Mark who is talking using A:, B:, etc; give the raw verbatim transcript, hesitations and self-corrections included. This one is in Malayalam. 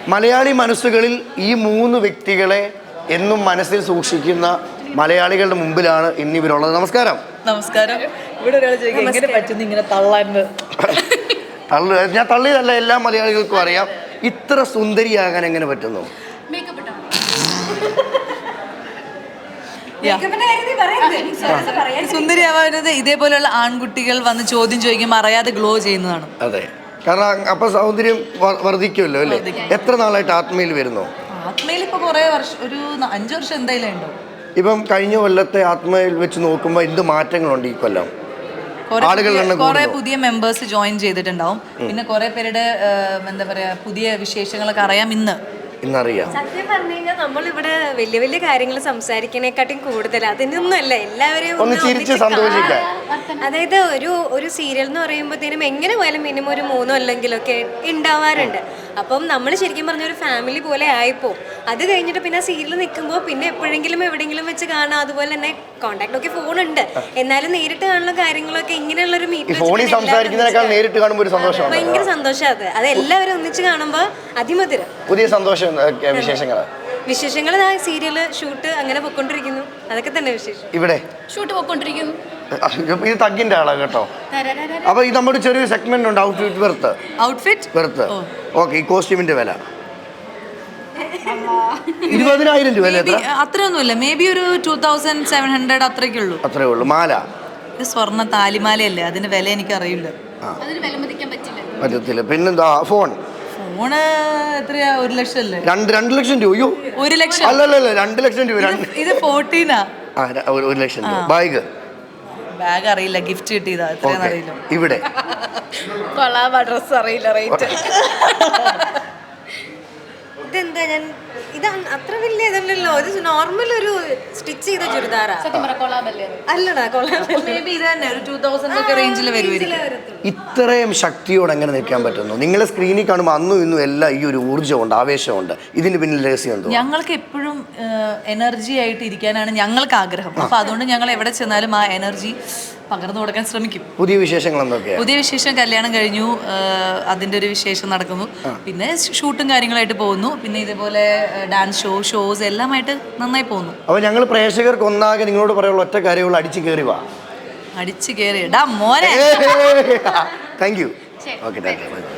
A: മലയാളി മനസ്സുകളിൽ ഈ മൂന്ന് വ്യക്തികളെ എന്നും മനസ്സിൽ സൂക്ഷിക്കുന്ന മലയാളികളുടെ മുമ്പിലാണ് ഇന്നിവരുള്ളത്. നമസ്കാരം.
B: നമസ്കാരം. ഇവിടെ ഒരാൾ ചോദിക്കും എങ്ങനെ പറ്റുന്നു ഇങ്ങനെ തള്ളാൻ?
A: തള്ളു ഞാൻ തള്ളിയതല്ല, എല്ലാ മലയാളികൾക്കും അറിയാം. ഇത്ര സുന്ദരിയാകാൻ എങ്ങനെ പറ്റുന്നു?
B: സുന്ദരിയാവുന്നത് ഇതേപോലെയുള്ള ആൺകുട്ടികൾ വന്ന് ചോദ്യം ചോദിക്കുമ്പോൾ അറിയാതെ ഗ്ലോ ചെയ്യുന്നതാണ്.
A: അതെ, കാരണം അപ്പൊ സൗന്ദര്യം വർദ്ധിക്കുമല്ലോ അല്ലേ? എത്ര നാളായിട്ട് ആത്മയിൽ വരുന്നു?
B: ആത്മയിൽ ഇപ്പൊ കുറെ വർഷം, ഒരു അഞ്ചു വർഷം എന്തായാലും ഉണ്ടോ.
A: ഇപ്പം കഴിഞ്ഞ കൊല്ലത്തെ ആത്മയിൽ വെച്ച് നോക്കുമ്പോൾ എന്ത് മാറ്റങ്ങളുണ്ട് ഈ കൊല്ലം?
B: കുറെ പുതിയ മെമ്പേഴ്സ് ജോയിൻ ചെയ്തിട്ടുണ്ടാവും. പിന്നെ കുറെ പേരുടെ എന്താ പറയാ പുതിയ വിശേഷങ്ങളൊക്കെ അറിയാം ഇന്ന്
A: ഇന്നറിയാം.
C: സത്യം പറഞ്ഞു കഴിഞ്ഞാൽ നമ്മളിവിടെ വലിയ വലിയ കാര്യങ്ങൾ സംസാരിക്കണേക്കാട്ടും കൂടുതൽ അതിനൊന്നുമല്ല എല്ലാവരെയും
A: ഒന്ന് ചിരിച്ച് സന്തോഷിക്കാം.
C: അതായത് ഒരു ഒരു സീരിയൽ എന്ന് പറയുമ്പോഴത്തേനും എങ്ങനെ പോയാലും മിനിമം ഒരു മൂന്നോ അല്ലെങ്കിലൊക്കെ ഉണ്ടാവാറുണ്ട്. അപ്പം നമ്മൾ ശരിക്കും പറഞ്ഞ ഒരു ഫാമിലി പോലെ ആയിപ്പോ അത് കഴിഞ്ഞിട്ട് പിന്നെ സീരിയൽ നിൽക്കുമ്പോൾ പിന്നെ എപ്പോഴെങ്കിലും എവിടെയെങ്കിലും വെച്ച് കാണാം. അതുപോലെ തന്നെ കോണ്ടാക്ട് ഒക്കെ ഫോണുണ്ട്, എന്നാലും നേരിട്ട് കാണുന്ന കാര്യങ്ങളൊക്കെ ഇങ്ങനെയുള്ളൊരു മീറ്റിംഗ്
A: നേരിട്ട് കാണുമ്പോൾ ഒരു സന്തോഷം,
C: ഭയങ്കര സന്തോഷം. അത് അത് എല്ലാവരും ഒന്നിച്ച് കാണുമ്പോൾ അതിമധുരം.
A: പുതിയ സന്തോഷം വിശേഷങ്ങൾ
C: വിശേഷങ്ങൾ സീരിയല് ഷൂട്ട് അങ്ങനെ പൊയ്ക്കൊണ്ടിരിക്കുന്നു. അതൊക്കെ തന്നെ വിശേഷം.
A: ഇവിടെ
C: ഷൂട്ട് പൊയ്ക്കൊണ്ടിരിക്കുന്നു.
A: ഇത് തഗ്ഗിന്റെ ആളാ കേട്ടോ. അപ്പൊ ഇത് നമ്മുടെ ചെറിയൊരു സെഗ്മെന്റ് ഉണ്ട്, ഔട്ട്ഫിറ്റ് വെറുത്ത്
B: ഔട്ട്ഫിറ്റ്
A: വെറുത്ത് ഓക്കെ. ഈ കോസ്റ്റ്യൂമിന്റെ വില ഇരുപതിനായിരം രൂപ അല്ലേ?
B: അത്രയൊന്നുമില്ല, മേ ബി ഒരു ടൂ തൗസൻഡ് സെവൻ ഹൺഡ്രഡ് അത്രയ്ക്കേ ഉള്ളൂ.
A: അത്രേ ഉള്ളൂ. മാല
B: ഇത് സ്വർണ്ണ താലിമാലയല്ലേ, അതിന്റെ വില എനിക്ക് അറിയില്ല.
A: പറ്റത്തില്ല. പിന്നെന്താ ഫോൺ?
B: ഫോണ് എത്രയാ? ഒരു ലക്ഷം അല്ലേ?
A: രണ്ട് രണ്ട് ലക്ഷം രൂപയോ?
B: ഒരു ലക്ഷം
A: അല്ലല്ല, രണ്ട് ലക്ഷം രൂപ.
B: ഇത് ഫോർട്ടീനാ.
A: ഒരു ലക്ഷം രൂപ. ബാഗ്
B: ബാഗ് അറിയില്ല, ഗിഫ്റ്റ് കിട്ടിയതാ, എത്രയാന്ന് അറിയില്ല.
A: ഇവിടെ
B: കൊള്ളാം, ഡ്രസ് അറിയില്ല റേറ്റ്.
C: ഇതെന്താ? ഞാൻ ഇത് അത്ര വലിയ ഇതല്ലല്ലോ, ഇത് നോർമൽ ഒരു സ്റ്റിച്ച് ചെയ്ത ചുരിദാറാ. അല്ലടാ,
A: ഇത്രയും ശക്തിയോടെ എങ്ങനെ നിൽക്കാൻ പറ്റുന്നു? നിങ്ങളെ സ്ക്രീനിൽ കാണുമ്പോൾ അന്നും ഇന്നും എല്ലാം ഈ ഒരു ഊർജ്ജമുണ്ട്, ആവേശമുണ്ട്. ഇതിന് പിന്നിൽ രഹസ്യം എന്തോ?
B: ഞങ്ങൾക്ക് എപ്പോഴും എനർജി ആയിട്ട് ഇരിക്കാനാണ് ഞങ്ങൾക്ക് ആഗ്രഹം. അപ്പൊ അതുകൊണ്ട് ഞങ്ങൾ എവിടെ ചെന്നാലും ആ എനർജി പകർന്നു കൊടുക്കാൻ ശ്രമിക്കും.
A: പുതിയ വിശേഷങ്ങൾ എന്തൊക്കെയാണ്?
B: പുതിയ വിശേഷം കല്യാണം കഴിഞ്ഞു, അതിൻ്റെ ഒരു വിശേഷം നടക്കുന്നു. പിന്നെ ഷൂട്ടും കാര്യങ്ങളായിട്ട് പോകുന്നു. പിന്നെ ഇതേപോലെ ഡാൻസ് ഷോ ഷോസ് എല്ലാമായിട്ട് നന്നായി പോകുന്നു.
A: അപ്പോൾ ഞങ്ങൾ പ്രേക്ഷകർക്ക് ഒന്നാകെ നിങ്ങളോട് പറയാനുള്ള ഒറ്റ കാര്യമുള്ള അടിച്ചു കയറി വാ.
B: അടിച്ചു കയറി ഡാ മോനെ.
A: Thank you. Okay, thank U.